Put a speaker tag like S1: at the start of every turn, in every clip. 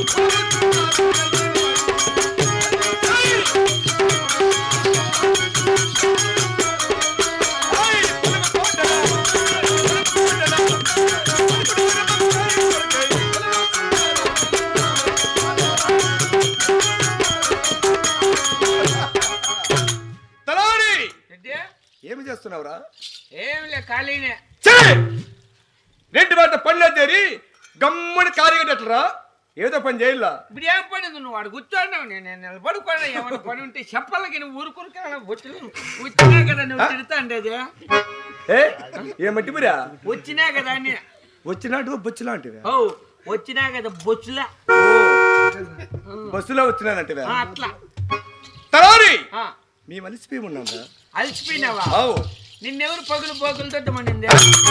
S1: ఏమి చేస్తున్నావురా?
S2: ఏం లే ఖాళీనే.
S1: రెడ్డి వార్త పనిలో చేరి గమ్ముని కార్యగట్టరా ఏదో పని చేయాలా?
S2: ఇప్పుడు ఏం పని నువ్వు వాడు కూర్చోన్నావు, నేను నిలబడుకోడా. ఏమైనా పని ఉంటే చెప్పాలకి నువ్వు ఊరుకురుకా వచ్చినా కదా నువ్వు తిడతా ఉండేది.
S1: ఏమంటే మీరా
S2: వచ్చినా కదా అని
S1: వచ్చినట్టు బొచ్చులాంటివి.
S2: ఓ వచ్చినా కదా బొచ్చులా
S1: బస్సులో వచ్చినానంటే
S2: అట్లా
S1: తలవారి మేము అలిసిపోయి ఉన్నాం.
S2: అలిసిపోయినావా? నిన్నెవరు పగులు బోగులతో మనింది?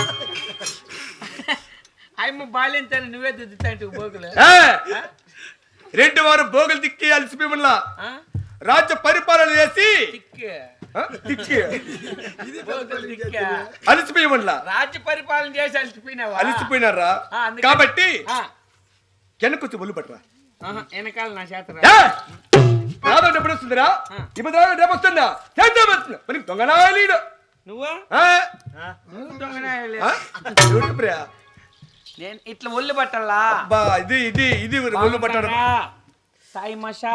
S2: ఆయమ్మ బాలేంతాను నువ్వే దిద్దుతాంటి బోగులు.
S1: రెడ్డి వారు బోగులు తిక్కి అలిసిపోయి ఉన్నా రాజ్య పరిపాలన చేసి అలిసిపోయి ఉన్నా
S2: రాజ్య పరిపాలన చేసి అలిసిపోయినావా?
S1: అలిసిపోయినారా కాబట్టి వెనకొచ్చి ఒళ్ళు పట్టరా.
S2: వెనకాల నా చేత
S1: రాదా ఎప్పుడు వస్తుందిరా? ఇప్పుడు రేపు వస్తుందా? మనకి దొంగనాయలీడు
S2: నువ్వు దొంగనాయలే. నేను ఇట్లా ఒళ్ళు పట్టాలా?
S1: ఇది ఇది ఇది ఒళ్ళు పట్టడం.
S2: సాయి మషా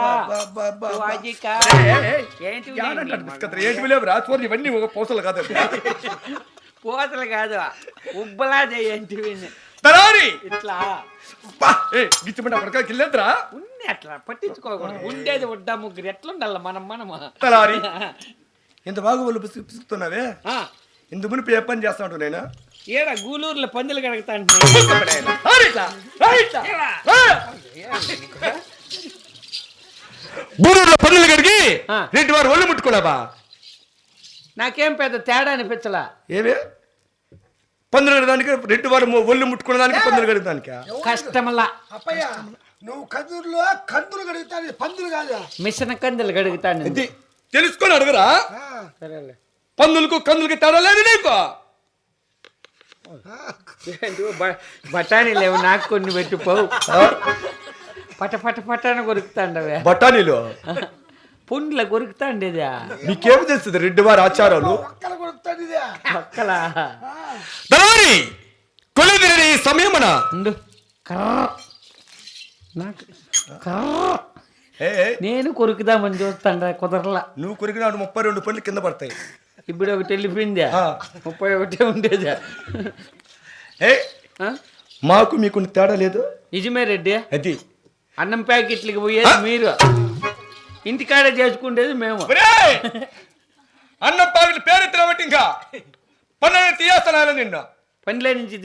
S1: ఏంటి లేవు రాసుకోరు ఇవన్నీ ఒక పూసలు కాదు.
S2: పూసలు కాదు ఉబ్బలా ఏంటివి ఇట్లా
S1: గిచ్చిమంటే అప్పటికా కిల్లేద్రా
S2: ఉన్ని అట్లా పట్టించుకోకూడదు. ఉండేది వడ్డా ముగ్గురు ఎట్లుండాల మనము.
S1: తలారి ఎంత బాగా ఒళ్ళు పిసుకుతున్నావే. ఇందు మునిపి ఏ పని చేస్తా ఉంటావు? నేను
S2: ఏడా గూలూరులో పందులు కడుగుతా.
S1: గూలూరులో పందులు కడిగి రెడ్డి వారు ఒళ్ళు ముట్టుకోలేవా?
S2: నాకేం పెద్ద తేడా అనిపించలా.
S1: ఏమే పందులు కడగడానికి రెడ్డి వారు ఒళ్ళు ముట్టుకోవడానికి పందులు కడగడానికి
S2: కష్టమలా.
S3: అప్పయ్య నువ్వు కందులు కందులు కడుగుతాను, పందులు కాదు
S2: మిషన్ కందులు కడుగుతాను.
S1: తెలుసుకొని అడగరా? పందులకు కందులకి తేడా లేదు నీకు?
S2: బఠానీ లేవు నాకు కొన్ని పెట్టిపోవు. పట పట పటాన కొరుకుతాండవే
S1: బఠానీలు
S2: పుండ్ల కొరుకుతాండేదా?
S1: నీకేమి తెలుస్తుంది రెడ్డి వారి ఆచారాలు? సమయమన
S2: నేను కొరుకుదామని చూస్తాండ కుదరలా.
S1: నువ్వు కొరికినాడు 32 పండ్లు కింద పడతాయి.
S2: ఇప్పుడు ఒకటి వెళ్ళిపోయిందా? 31 ఉండేదా?
S1: మాకు మీకు తేడా లేదు.
S2: నిజమే రెడ్డి.
S1: అది
S2: అన్నం ప్యాకెట్లకి పోయేది మీరు, ఇంటికాడే చేసుకుంటేది మేము.
S1: అన్నం ప్యాకెట్లు పేరెత్తిన బట్టి ఇంకా పనులు తీయేస్తాను. నిన్న
S2: పనిలో నుంచి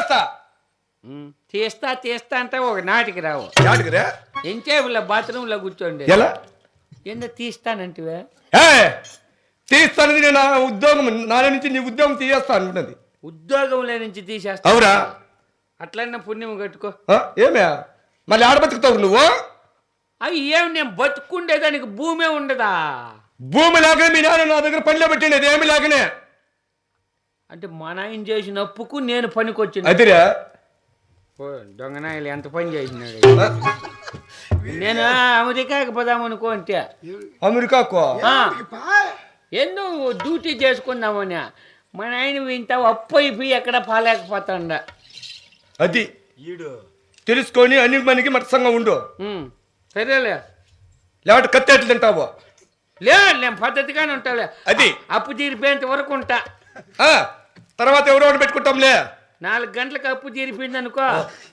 S2: తీస్తా అంటే ఒక నాటికి రావు. ఎంచేపుల బాత్రూమ్ లో కూర్చోండి.
S1: ఎలా
S2: ఎంత తీస్తానంటివే?
S1: తీస్తానని నేను ఉద్యోగం నా నుంచి నీ ఉద్యోగం తీయేస్తా అనుకున్నది.
S2: ఉద్యోగంలో నుంచి తీసేస్తా?
S1: అవురా?
S2: అట్లన్నా పుణ్యం కట్టుకో.
S1: ఏమే మళ్ళీ ఆడ బతుకుతావు నువ్వు?
S2: అవి ఏమి నేను బతుకుండేదానికి భూమే ఉండదా?
S1: భూమి లాగానే మీ నాన్న నా దగ్గర పనిలో పెట్టిండేది ఏమి లాగానే.
S2: అంటే మా నాయన చేసిన అప్పుకు నేను పనికొచ్చిన.
S1: అదిరా
S2: దొంగనాయలు ఎంత పని చేసినాడు. నేను అమెరికాకి పోదామనుకో అంటే.
S1: అమెరికాకు
S2: ఎందుకు డ్యూటీ చేసుకుందామని మా నాయన ఇంత అప్పు అయిపోయి ఎక్కడ పాలేకపోతాండ.
S1: అది తెలుసుకొని అన్ని మనకి మత్సంగా ఉండు.
S2: సరేలే.
S1: లేకపోతే కత్తెట్లు తింటావు?
S2: లేదు నేను పద్ధతిగానే ఉంటాలే.
S1: అది
S2: అప్పు తీరిపోయేంత వరకు ఉంటా.
S1: తర్వాత ఎవరో ఒకటి పెట్టుకుంటాంలే.
S2: 4 గంటలకు అప్పు తీరిపోయింది అనుకో,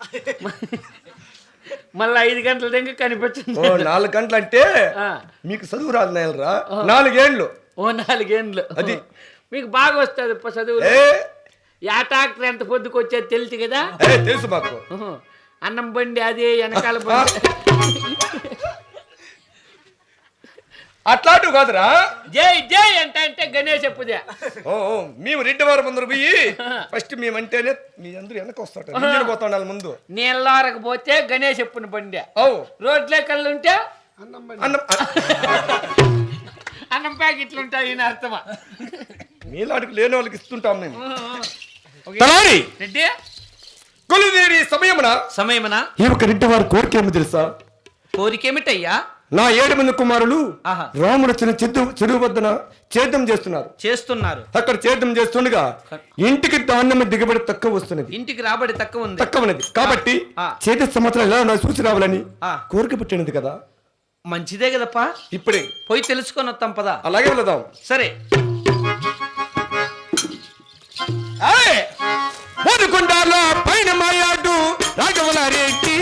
S2: మళ్ళీ 5 గంటల దగ్గర కనిపించింది.
S1: 4 గంటలు అంటే మీకు చదువు రాదు నాయనరా. 4 ఏళ్ళు.
S2: 4 ఏళ్ళు.
S1: అది
S2: మీకు బాగా వస్తుంది చదువు. యా ట్రాక్టర్ ఎంత పొద్దుకు వచ్చేది తెలుసు కదా?
S1: తెలుసు మాకు.
S2: అన్నం బండి అది వెనకాల బండి
S1: అట్లాంటివి కాదురా.
S2: జై జై అంటే గణేష్ అప్పుదే.
S1: మేము రెడ్డి వారి ముందర పోయి ఫస్ట్ మేమంటేనే మీ అందరూ వెనక వస్తాడు పోతా ముందు.
S2: నీళ్ళకి పోతే గణేష్ అప్పుని బండి, రోడ్లే కళ్ళు ఉంటే అన్నం ప్యాకెట్లు ఉంటాయి. అర్థమా?
S1: మీలాంటికి లేని వాళ్ళకి ఇస్తుంటాం మేము.
S2: రెడ్డి
S1: కొలుదేరి
S2: సమయమున
S1: ఈ ఒక రెడ్డి వారి కోరిక ఏమో తెలుసా?
S2: కోరికేమిటయ్యా?
S1: నా 7 మంది కుమారులు
S2: ఆహా.
S1: రాముడు చెరువు వద్దన చేద్దాం చేస్తున్నారు. అక్కడ చేద్దాం చేస్తుండగా ఇంటికి ధాన్యం దిగుబడి తక్కువ వస్తున్నది,
S2: ఇంటికి రాబడి తక్కువ
S1: ఉన్నది కాబట్టి చేతి సంవత్సరం ఎలా నా చూసి రావాలని కోరిక పుట్టినది కదా.
S2: మంచిదే కదప్పా,
S1: ఇప్పుడే
S2: పోయి తెలుసుకొని వస్తాం పదా.
S1: అలాగే వెళదాం.
S2: సరే.
S1: బోధకొండలో పైన మాయాడు రాఘవల రెడ్డి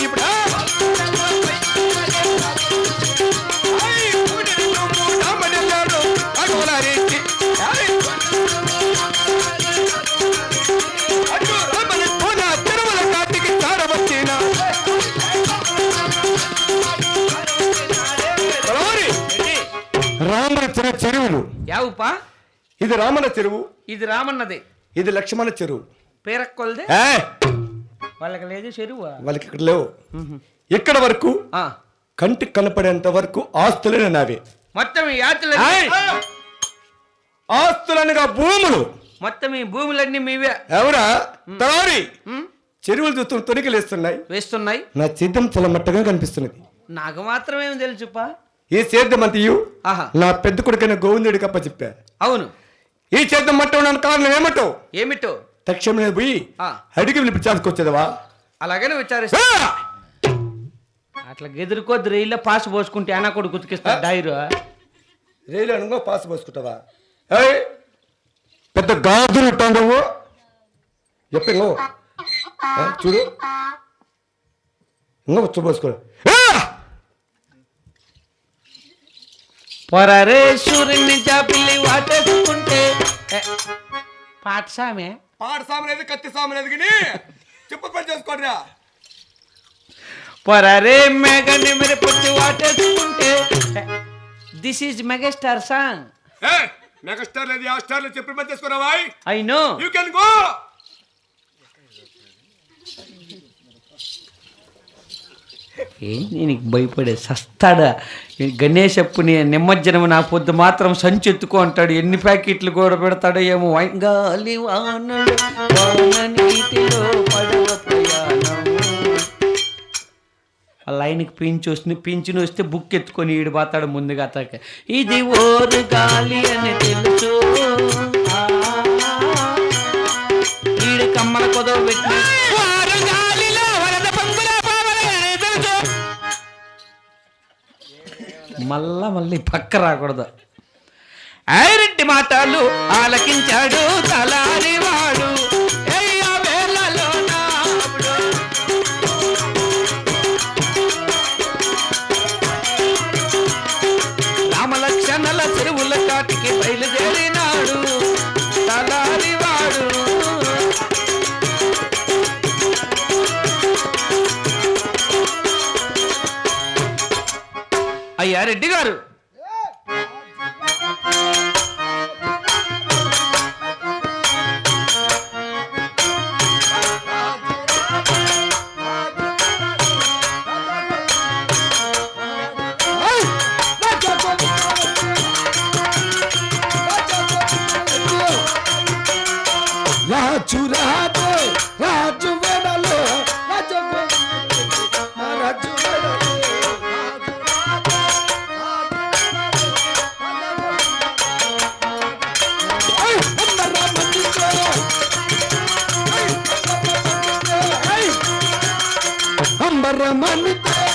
S1: తిరుమల కాటికి చారవచ్చిన రామరచన చెరువులు.
S2: యావుపా?
S1: ఇది రామన చెరువు,
S2: ఇది రామన్నది,
S1: ఇది లక్ష్మణ చెరువు.
S2: పేరక్కొలదే వాళ్ళకి లేదు చెరువు,
S1: వాళ్ళకి ఇక్కడ లేవు. ఇక్కడ వరకు కంటికి కనపడేంత వరకు ఆస్తులనే నావే.
S2: మొత్తం ఈ
S1: ఆస్తులనగా భూములు,
S2: మొత్తం ఈ భూములన్నీ మీవే.
S1: ఎవరా తలారి? చెరువులు చూస్తూ తొనికలేస్తున్నాయి,
S2: వేస్తున్నాయి.
S1: నా సిద్ధం చాలా మట్టగా కనిపిస్తున్నది.
S2: నాకు మాత్రమేమి తెలుసుపా?
S1: ఈ సేద్యం అంతయు నా పెద్ద కొడుకైన గోవిందుడికి అప్ప చెప్పా.
S2: అవును.
S1: ఈ సేద్యం మట్ట ఉండడానికి కారణం
S2: ఏమిటో
S1: తక్షణమే పోయి అడిగి పిలిపించాల్సుకొచ్చేదవా?
S2: అలాగనే విచారిస్తా. అట్లా గెదురుకోద్దు, రైల్లో పాస్ పోసుకుంటే అన్న కూడా గుర్తుకిస్తా. డైరు
S1: రైలు అనుకో పాస్ పోసుకుంటావా? పెద్ద గాజులు ఉంటావు చెప్పు. చూడు ఇంకా వచ్చు పోసుకో.
S2: పొరరే సూర్యుని చాపిల్లి వాటేసుకుంటే పాఠసామే
S1: పాఠసామనేది కత్తి సామనేది కానీ చెప్పు పని చేసుకోరా.
S2: పొరరే మేఘని మీరు పుచ్చి వాటేసుకుంటే this is megastar song.
S1: Megastar లేదు, ఆ స్టార్ లేదు, చెప్పి పని చేసుకోరావా?
S2: I know
S1: you can go.
S2: ఏంటి నీకు భయపడే సస్తాడా? గణేష్ అప్పుని నిమజ్జనం నా పొద్దు మాత్రం సంచి ఎత్తుకో అంటాడు. ఎన్ని ప్యాకెట్లు కూడా పెడతాడో ఏమో. గాలి వానలు వాన నీటిలో పడవ ప్రయాణం. ఆ లైన్కి పింఛను వస్తే బుక్ ఎత్తుకొని ఈడు పోతాడు ముందుగా. అతక ఇది ఓరు గాలి అని తెలుసు, ఈడు కమ్మల కొదవ పెట్టి మళ్ళీ పక్క రాకూడదు. ఐరెడ్డి మాటలు ఆలకించాడు తలారివాడు. రామలక్షణల చెరువుల కాటికి బయలుదేరినాడు తలారివాడు. అయ్యా రెడ్డి గారు,
S3: రాజు రాజు రాజు వెడలో రాజు రాజు అంబరమణితో